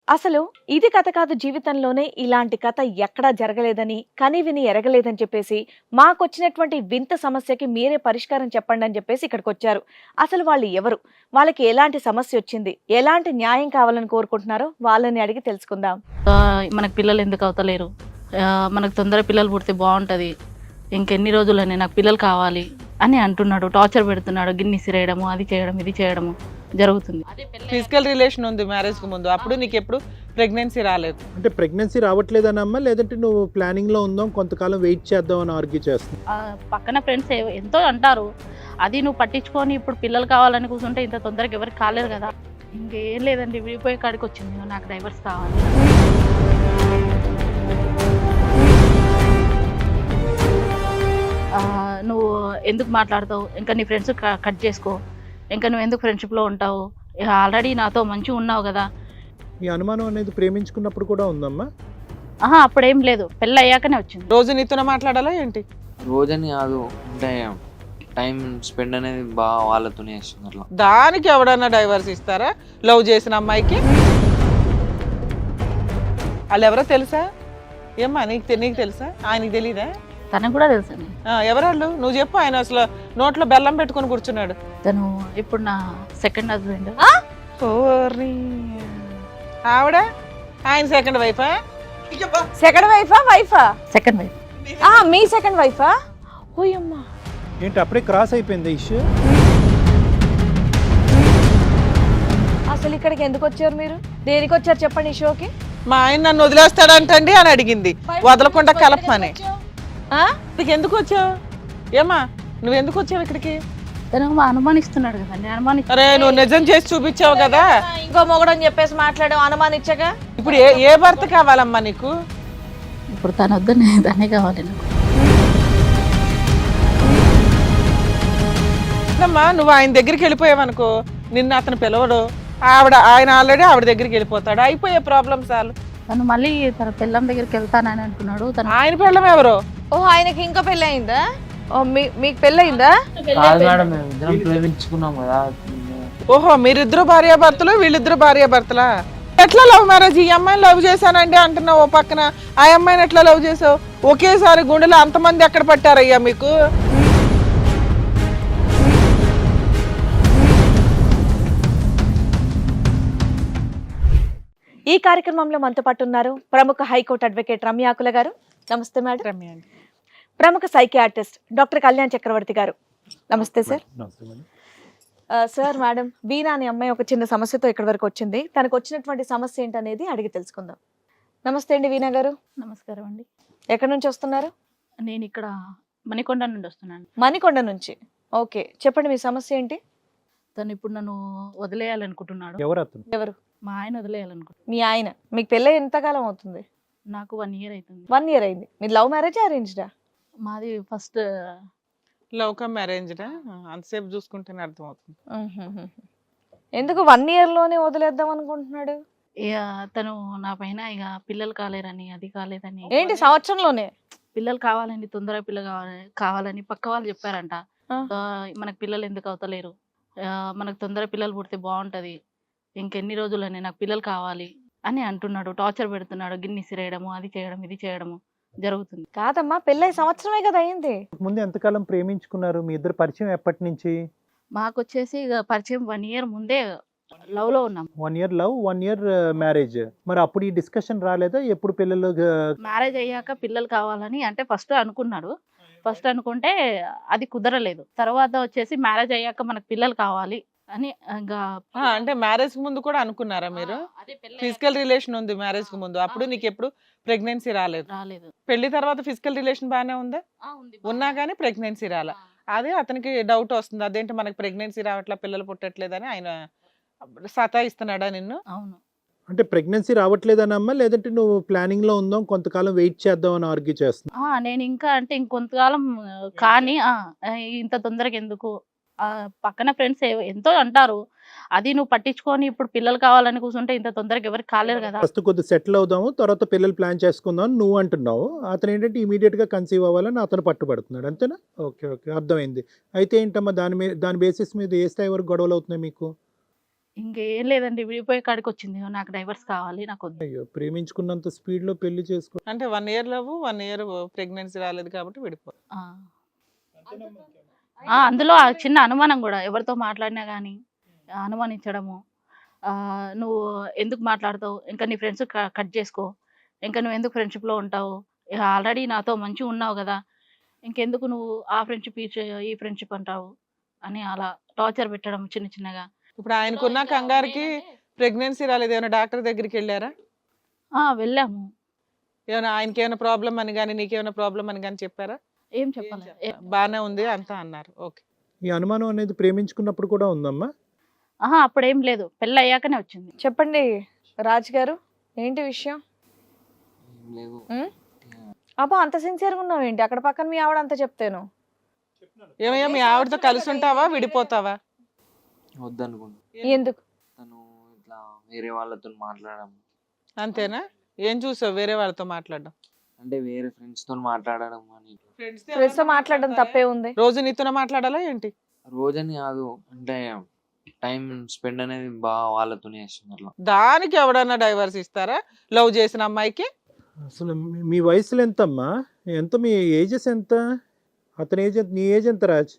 అసలు ఇది కథ కాదు జీవితంలోనే ఇలాంటి కథ ఎక్కడా జరగలేదని కనివిని ఎరగలేదని చెప్పేసి మాకొచ్చినటువంటి వింత సమస్యకి మీరే పరిష్కారం చెప్పండి అని చెప్పేసి ఇక్కడికి వచ్చారు. అసలు వాళ్ళు ఎవరు, వాళ్ళకి ఎలాంటి సమస్య వచ్చింది, ఎలాంటి న్యాయం కావాలని కోరుకుంటున్నారో వాళ్ళని అడిగి తెలుసుకుందాం. మనకు పిల్లలు ఎందుకు అవుతలేరు, మనకు తొందర పిల్లలు పుడితే బాగుంటుంది, ఇంకెన్ని రోజులని నాకు పిల్లలు కావాలి అని అంటున్నాడు. టార్చర్ పెడుతున్నాడు, గిన్ని సిరేయడము, అది చేయడం ఇది చేయడము జరుగుతుంది. ఫిజికల్ రిలేషన్ ఉంది మ్యారేజ్ కి ముందు, అప్పుడు నీకు ఎప్పుడు ప్రెగ్నెన్సీ రాలేదు. అంటే ప్రెగ్నెన్సీ రావట్లేదనమ్మా, లేదంటే నువ్వు ప్లానింగ్ లో ఉందాం కొంతకాలం వెయిట్ చేద్దాం అని ఆర్గ్యూ చేస్తుంది. పక్కన ఫ్రెండ్స్ ఎంతో అంటారు, అది నువ్వు పట్టించుకొని ఇప్పుడు పిల్లలు కావాలని కూర్చుంటే ఇంత తొందరగా ఎవరికి కాలేదు కదా. ఇంకేం లేదండి, విడిపోయే కాడికి వచ్చింది, నాకు డైవర్స్ కావాలి. నువ్వు ఎందుకు మాట్లాడతావు, ఇంకా నీ ఫ్రెండ్స్ కట్ చేసుకో, ఇంకా నువ్వు ఎందుకు ఫ్రెండ్షిప్లో ఉంటావు, ఆల్రెడీ నాతో మంచిగా ఉన్నావు కదా. ఈ అనుమానం అనేది ప్రేమించుకున్నప్పుడు కూడా ఉందమ్మా? అప్పుడేం లేదు, పెళ్ళి అయ్యాకనే వచ్చింది. రోజు నీతోనే మాట్లాడాలా ఏంటి? రోజని కాదు, అంటే టైం స్పెండ్ అనేది బాగా వాళ్ళతోనే చేస్తుంది. అట్లా దానికి ఎవడన్నా డైవర్స్ ఇస్తారా? లవ్ చేసిన అమ్మాయికి వాళ్ళు ఎవరో తెలుసా? ఏమ్మా నీకు తెలుసా? ఆయనకి తెలీదా? తనకు కూడా తెలుసండి. ఎవరాళ్ళు నువ్వు చెప్పు. ఆయన అసలు నోట్లో బెల్లం పెట్టుకుని కూర్చున్నాడు. తను ఇప్పుడు నా సెకండ్ హస్బెండ్. ఆవిడ ఆయన సెకండ్ వైఫా? సెకండ్ వైఫా? Second wife. మీ సెకండ్ వైఫా? ఓయమ్మా, ఏంటి అప్పుడే క్రాస్ అయిపోయింది ఇష్యూ? అసలు ఇక్కడికి ఎందుకు వచ్చారు మీరు? దేనికి వచ్చారు చెప్పండి ఈ షోకి? మా ఆయన నన్ను వదిలేస్తాడంటండి అని అడిగింది, వదలకుండా కలపమని. నీకు ఎందుకు వచ్చావు? ఏమా నువ్వు ఎందుకు వచ్చావు ఇక్కడికి? తను అనుమానిస్తున్నాడు కదండి. అరే నువ్వు నిజం చేసి చూపించావు కదా. ఇంకో మొగడని చెప్పేసి మాట్లాడావు అనుమానించగా. ఇప్పుడు ఏ భర్త కావాలమ్మా నీకు? ఇప్పుడు తను వద్దని దాన్ని కావాలి నాకు. అమ్మా నువ్వు ఆయన దగ్గరికి వెళ్ళిపోయావనుకో, నిన్ను అతను పిలవడు, ఆయన ఆల్రెడీ ఆవిడ దగ్గరికి వెళ్ళిపోతాడు, అయిపోయే ప్రాబ్లమ్ చాలు. తను మళ్ళీ తన పిల్లం దగ్గరికి వెళ్తానని అంటున్నాడు. తను ఆయన పిల్లం ఎవరు? ఆయనకి ఇంకా పెళ్ళి అయిందా? మీకు పెళ్ళి అయిందా? ప్రేమించుకున్నాం కదా. ఓహో మీరిద్దరు భార్యాభర్తలు, వీళ్ళిద్దరు భార్యాభర్తలా? ఎట్లా లవ్ మ్యారేజ్? ఈ అమ్మాయిని లవ్ చేశానండి అంటున్నావు, ఓ పక్కన ఆ అమ్మాయిని ఎట్లా లవ్ చేసావు? ఒకేసారి గుండెలో అంతమంది ఎక్కడ పట్టారయ్యా మీకు? ఈ కార్యక్రమంలో మనతో పాటు ఉన్నారు ప్రముఖ హైకోర్టు అడ్వకేట్ రమ్యాకుల గారు. నమస్తే మేడం. రమ్య అండి. ప్రముఖ సైకియాట్రిస్ట్ డాక్టర్ కళ్యాణ్ చక్రవర్తి గారు. నమస్తే సార్. సార్, మేడం వీణా అనే అమ్మాయి ఒక చిన్న సమస్యతో ఇక్కడి వరకు వచ్చింది. తనకు వచ్చినటువంటి సమస్య ఏంటనేది అడిగి తెలుసుకుందాం. నమస్తే అండి వీణా గారు. నమస్కారం అండి. ఎక్కడి నుంచి వస్తున్నారు? నేను ఇక్కడ మణికొండ నుండి వస్తున్నాను. మణికొండ నుంచి. ఓకే, చెప్పండి మీ సమస్య ఏంటి? తను ఇప్పుడు నన్ను వదిలేయాలనుకుంటున్నాడు. ఎవరు అతను? ఎవరు? మా ఆయన వదిలేయాలనుకుంటున్నాడు. మీ ఆయన. మీకు పెళ్ళి ఎంతకాలం అవుతుంది? నాకు 1 year అవుతుంది. 1 year అయింది. మీరు లవ్ మ్యారేజ్ అరేంజ్డా? మాది ఫస్ట్ లవ్ కమ్ మ్యారేజ్డా? అంతసేపు చూసుకుంటేనే అర్థమవుతుంది. ఎందుకు 1 year లోనే వదిలేద్దాం అనుకుంటున్నాడు? ఇక తను నా పైన ఇక పిల్లలు కాలేరని, అది కాలేదని. ఏంటి సంవత్సరంలోనే? పిల్లలు కావాలని, తొందరగా పిల్లలు కావాలని పక్క వాళ్ళు చెప్పారంట. మనకు పిల్లలు ఎందుకు అవుతలేరు, మనకు తొందరగా పిల్లలు పుడితే బాగుంటుంది, ఇంకెన్ని రోజులని నాకు పిల్లలు కావాలి అని అంటున్నాడు. టార్చర్ పెడుతున్నాడు, గిన్ని సిరేయడము, అది చేయడం ఇది చేయడము జరుగుతుంది. కాదమ్మా, పెళ్ళై సంవత్సరమే కదా అయింది. ముందు ఎంతకాలం ప్రేమించుకున్నారు? మీ ఇద్దరు పరిచయం ఎప్పటి నుంచి? మాకు వచ్చేసి ఇక పరిచయం 1 year ముందే లవ్ లో ఉన్నాం. 1 year లవ్, 1 year మ్యారేజ్. మరి అప్పుడు ఈ డిస్కషన్ రాలేదా ఎప్పుడు పిల్లలు? మ్యారేజ్ అయ్యాక పిల్లలు కావాలని అంటే ఫస్ట్ అనుకున్నాడు. ఫస్ట్ అనుకుంటే అది కుదరలేదు. తర్వాత వచ్చేసి మ్యారేజ్ అయ్యాక మనకు పిల్లలు కావాలి అని ఇంకా. అంటే మ్యారేజ్ కి ముందు కూడా అనుకున్నారా మీరు? ఫిజికల్ రిలేషన్ ఉంది మ్యారేజ్ కి ముందు, అప్పుడు నీకు ఎప్పుడు ప్రెగ్నెన్సీ రాలేదు. పెళ్లి తర్వాత ఫిజికల్ రిలేషన్ బాగానే ఉందా? ఉన్నా కానీ ప్రెగ్నెన్సీ రాలే. అదే అతనికి డౌట్ వస్తుంది, అదేంటి మనకి ప్రెగ్నెన్సీ రావట్లా, పిల్లలు పుట్టట్లేదని ఆయన సతాయిస్తున్నాడా నిన్ను? అవును. అంటే ప్రెగ్నెన్సీ రావట్లేదనమ్మా, లేదంటే నువ్వు ప్లానింగ్ లో ఉందాం కొంతకాలం వెయిట్ చేద్దాం అని ఆర్గ్యూ చేస్తున్నా? నేను ఇంకా అంటే ఇంకొంతకాలం కానీ ఇంత తొందరగా ఎందుకు, పక్కన ఫ్రెండ్స్ ఎంతో అంటారు, అది నువ్వు పట్టించుకొని ఇప్పుడు పిల్లలు కావాలని కూర్చుంటే ఇంత తొందరగా ఎవరికి కాలేదు కదా. ఫస్ట్ కొద్దిగా సెటిల్ అవుదాము, తర్వాత పిల్లలు ప్లాన్ చేసుకుందాం అని నువ్వు అంటున్నావు. అతను ఏంటంటే ఇమీడియట్ గా కన్సీవ్ అవ్వాలని అతను పట్టుబడుతున్నాడు, అంతేనా? ఓకే, అర్థమైంది. అయితే ఏంటమ్మా దాని బేసిస్ మీద ఏ స్థాయి వరకు గొడవలు అవుతున్నాయి మీకు? ఇంకేం లేదండి, విడిపోయే కాడికి వచ్చింది. నాకు డైవర్స్ కావాలి, నాకు వద్దు. అయ్యో, ప్రేమించుకున్నంత స్పీడ్ లో పెళ్లి చేసుకో. అంటే 1 year లవ్, 1 year ప్రెగ్నెన్సీ రాలేదు కాబట్టి విడిపో. ఆ. అందులో ఆ చిన్న అనుమానం కూడా, ఎవరితో మాట్లాడినా కానీ అనుమానించడము. నువ్వు ఎందుకు మాట్లాడతావు, ఇంకా నీ ఫ్రెండ్స్ కట్ చేసుకో, ఇంకా నువ్వు ఎందుకు ఫ్రెండ్షిప్లో ఉంటావు, ఆల్రెడీ నాతో మంచిగా ఉన్నావు కదా, ఇంకెందుకు నువ్వు ఆ ఫ్రెండ్షిప్ ఈ ఫ్రెండ్షిప్ అంటావు అని అలా టార్చర్ పెట్టడం చిన్న చిన్నగా. ఇప్పుడు ఆయనకున్న కంగారుకి ప్రెగ్నెన్సీ రాలేదు, ఏమైనా డాక్టర్ దగ్గరికి వెళ్ళారా? వెళ్ళాము. ఏమైనా ఆయనకి ఏమైనా ప్రాబ్లం అని కానీ నీకేమైనా ప్రాబ్లం అని కానీ చెప్పారా? ఏం చెప్పాలి, బాగానే ఉంది అంతా అన్నారు. ఓకే. ఈ అనుమానం అనేది ప్రేమించుకున్నప్పుడు కూడా ఉందమ్మా? అప్పుడేం లేదు, పెళ్ళి అయ్యాకనే వచ్చింది. చెప్పండి రాజ్ గారు, ఏంటి విషయం? ఏం లేవు. అబ్బా, అంత సిన్సియర్గా ఉన్నావు ఏంటి? అక్కడ పక్కన మీ ఆవిడ అంతా చెప్తాను. ఏమయ్యా, మీ ఆవిడతో కలిసి ఉంటావా విడిపోతావా? వద్దనుకుంటా. ఎందుకు? తను ఇట్లా వేరే వాళ్ళతో మాట్లాడడం. అంతేనా? ఏం చూసావు వేరే వాళ్ళతో మాట్లాడడం? అంటే వేరే ఫ్రెండ్స్ తో మాట్లాడడం అని. ఫ్రెండ్స్ తో మాట్లాడడం తప్పే ఉంది. రోజు నీతోనే మాట్లాడాలా ఏంటి? రోజని కాదు, అంటే టైం స్పెండ్ అనేది బాగా వాళ్ళతోనే చేస్తున్నారు. దానికి ఎవడన్నా డైవర్స్ ఇస్తారా లవ్ చేసిన అమ్మాయికి? అసలు మీ వయసులో ఎంతమ్మా? ఎంత మీ ఏజెస్ ఎంత? అతని ఏజ్ ఎంత? నీ ఏజ్ ఎంత రాజ్?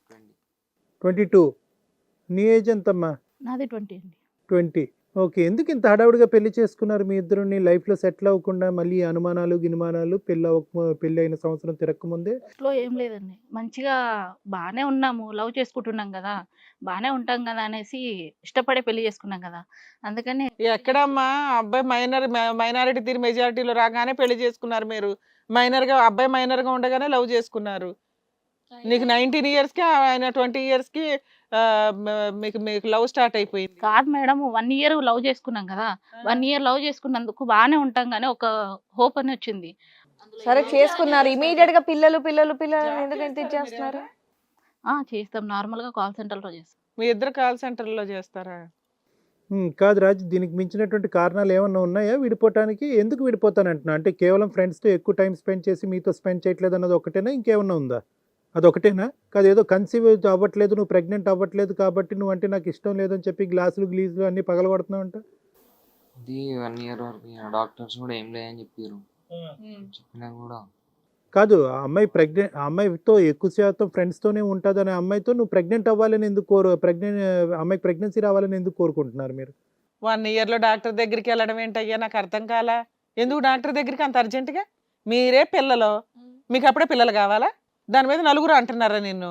22. నీ ఏజ్ ఎంతమ్మా? నాది 20 అండి. 20. ఓకే. ఎందుకు ఇంత హడావుడిగా పెళ్లి చేసుకున్నారు మీ ఇద్దరుని? లైఫ్లో సెటిల్ అవ్వకుండా మళ్ళీ అనుమానాలు గినుమానాలు, పెళ్ళి అయిన సంవత్సరం తిరగకముందే? ఇంట్లో ఏం లేదండి, మంచిగా బాగానే ఉన్నాము, లవ్ చేసుకుంటున్నాం కదా, బాగానే ఉంటాం కదా అనేసి ఇష్టపడే పెళ్లి చేసుకున్నాం కదా, అందుకని. ఎక్కడమ్మా అబ్బాయి మైనారిటీ తీరు మెజారిటీలో రాగానే పెళ్లి చేసుకున్నారు మీరు. అబ్బాయి మైనర్ గా ఉండగానే లవ్ చేసుకున్నారు. నీకు 19 years కి ఆయన 20 years కి మీకు లవ్ స్టార్ట్ అయిపోయింది. కాదు మేడం, 1 year లవ్ చేసుకున్నాం కదా, 1 year లవ్ చేసుకున్నందుకు బాగానే ఉంటాం కానీ ఒక హోప్ అని వచ్చింది. సరే చేసుకున్నారు, ఇమీడియట్ గా పిల్లలు ఎందుకు ఎంత ఇచ్చేస్తున్నారు? చేస్తాం, నార్మల్ గా కాల్ సెంటర్ లో చేస్తాం. మీ ఇద్దరు కాల్ సెంటర్ లో చేస్తారా? కాదు రాజ్, దీనికి మించినటువంటి కారణాలు ఏమన్నా ఉన్నాయా విడిపోవటానికి? ఎందుకు విడిపోతానంటున్నా అంటే కేవలం ఫ్రెండ్స్తో ఎక్కువ టైం స్పెండ్ చేసి మీతో స్పెండ్ చేయట్లేదు అన్నది ఒకటేనా, ఇంకేమన్నా ఉందా? అదొకటేనా? కాదు, ఏదో కన్సీవ్ అవ్వట్లేదు, నువ్వు ప్రెగ్నెంట్ అవ్వట్లేదు కాబట్టి నువ్వు అంటే నాకు ఇష్టం లేదని చెప్పి గ్లాసులు అన్ని పగలగొడుతున్నావు అంట. ఇది 1 year వరకు డాక్టర్స్ కూడా ఏం లేదని చెప్పారు. చెప్పినా కూడా కాదు, ఆ అమ్మాయితో ఎక్కువ శాతం ఫ్రెండ్స్తోనే ఉంటుంది అనే అమ్మాయితో నువ్వు ప్రెగ్నెంట్ అవ్వాలని ఎందుకు అమ్మాయికి ప్రెగ్నెన్సీ రావాలని ఎందుకు కోరుకుంటున్నారు మీరు? 1 year లో డాక్టర్ దగ్గరికి వెళ్ళడం ఏంటయ్యా, నాకు అర్థం కాలా. ఎందుకు డాక్టర్ దగ్గరికి అంత అర్జెంటుగా? మీరే పిల్లలు, మీకు అప్పుడే పిల్లలు కావాలా? దాని మీద నలుగురు అంటున్నారా నిన్ను?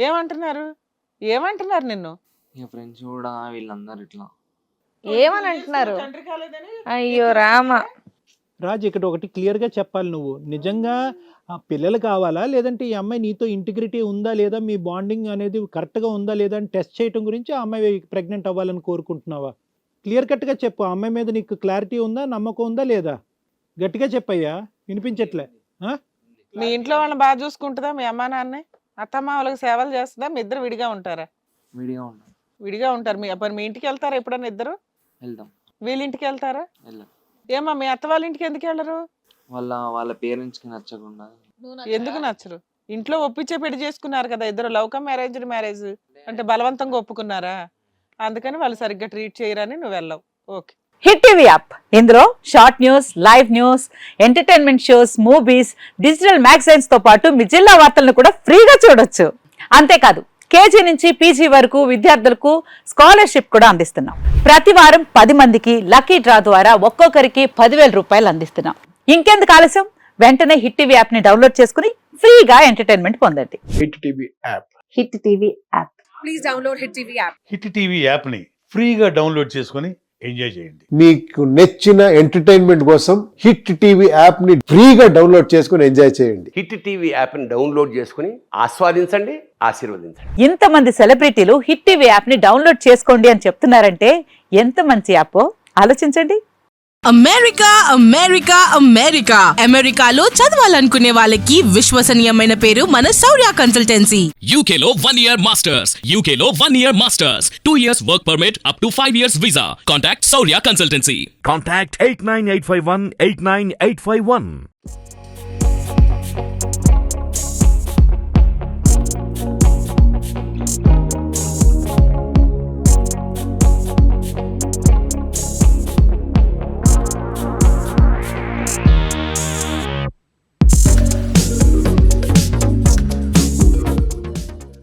ఏమంటున్నారు నిన్ను? ఇక ఫ్రెండ్స్ కూడా వీళ్ళందరూ ఇట్లా ఏమని అంటున్నారు? అయ్యో రామ. రాజ్, ఇక్కడ ఒకటి క్లియర్గా చెప్పాలి, నువ్వు నిజంగా ఆ పిల్లలు కావాలా, లేదంటే ఈ అమ్మాయి నీతో ఇంటిగ్రిటీ ఉందా లేదా, మీ బాండింగ్ అనేది కరెక్ట్గా ఉందా లేదా అని టెస్ట్ చేయడం గురించి ఆ అమ్మాయి ప్రెగ్నెంట్ అవ్వాలని కోరుకుంటున్నావా? క్లియర్ కట్గా చెప్పు, ఆ అమ్మాయి మీద నీకు క్లారిటీ ఉందా, నమ్మకం ఉందా లేదా? గట్టిగా చెప్పయ్యా, వినిపించట్లే. మీ ఇంట్లో వాళ్ళని బాగా చూసుకుంటుందా మీ అమ్మా నాన్నే? అత్తమ్మ వాళ్ళకి సేవలు చేస్తుందా? మీ ఇద్దరు విడిగా ఉంటారా? విడిగా ఉంటారు. మీ ఇంటికి వెళ్తారా ఎప్పుడన్నా ఇద్దరు? వెళ్దాం. వీళ్ళ ఇంటికి వెళ్తారా? వెళ్ళాం. ఏమా మీ అత్త వాళ్ళ ఇంటికి ఎందుకు వెళ్ళరు? వాళ్ళ పేరెంట్స్ కి నచ్చకుండా. ఎందుకు నచ్చరు? ఇంట్లో ఒప్పించే పెళ్లి చేసుకున్నారు కదా ఇద్దరు, లవ్ కమ్ అరేంజ్డ్ మ్యారేజ్ అంటే బలవంతంగా ఒప్పుకున్నారా? అందుకని వాళ్ళు సరిగ్గా ట్రీట్ చేయరని నువ్వు వెళ్ళవు. ఓకే. హిట్ టీవీ యాప్, ఇందులో short news, live news, entertainment shows, movies, digital magazines తో పాటు మీ జిల్లా వార్తలను కూడా ఫ్రీగా చూడొచ్చు. అంతేకాదు, కేజీ నుంచి పీజీ వరకు విద్యార్థులకు స్కాలర్షిప్ కూడా అందిస్తున్నాం. ప్రతి వారం 10 మందికి లక్కీ డ్రా ద్వారా ఒక్కొక్కరికి 10,000 రూపాయలు అందిస్తున్నాం. ఇంకెందుకు ఆలస్యం, వెంటనే హిట్ టీవీ యాప్ ని డౌన్లోడ్ చేసుకుని ఫ్రీగా ఎంటర్టైన్మెంట్ పొందండి. Hit TV app. Hit TV app. Please download hit TV app. Hit TV app ని ఫ్రీగా డౌన్లోడ్ చేసుకుని ఎంజాయ్ చేయండి. మీకు నచ్చిన ఎంటర్టైన్మెంట్ కోసం హిట్ టీవీ యాప్ ని ఫ్రీగా డౌన్లోడ్ చేసుకుని ఎంజాయ్ చేయండి. హిట్ టీవీ యాప్ ని డౌన్లోడ్ చేసుకుని ఆస్వాదించండి, ఆశీర్వదించండి. ఇంతమంది సెలబ్రిటీలు హిట్ టీవీ యాప్ ని డౌన్లోడ్ చేసుకోండి అని చెప్తున్నారంటే ఎంత మంచి యాప్ ఆలోచించండి. అమెరికాలో చదవాలనుకునే వాళ్ళకి విశ్వసనీయమైన పేరు మన శౌర్య కన్సల్టెన్సీ. UK లో 1 year masters, UK లో 1 year masters, 2 years work permit up to 5 years visa. Contact Saurya Consultancy. Contact 89851 89851.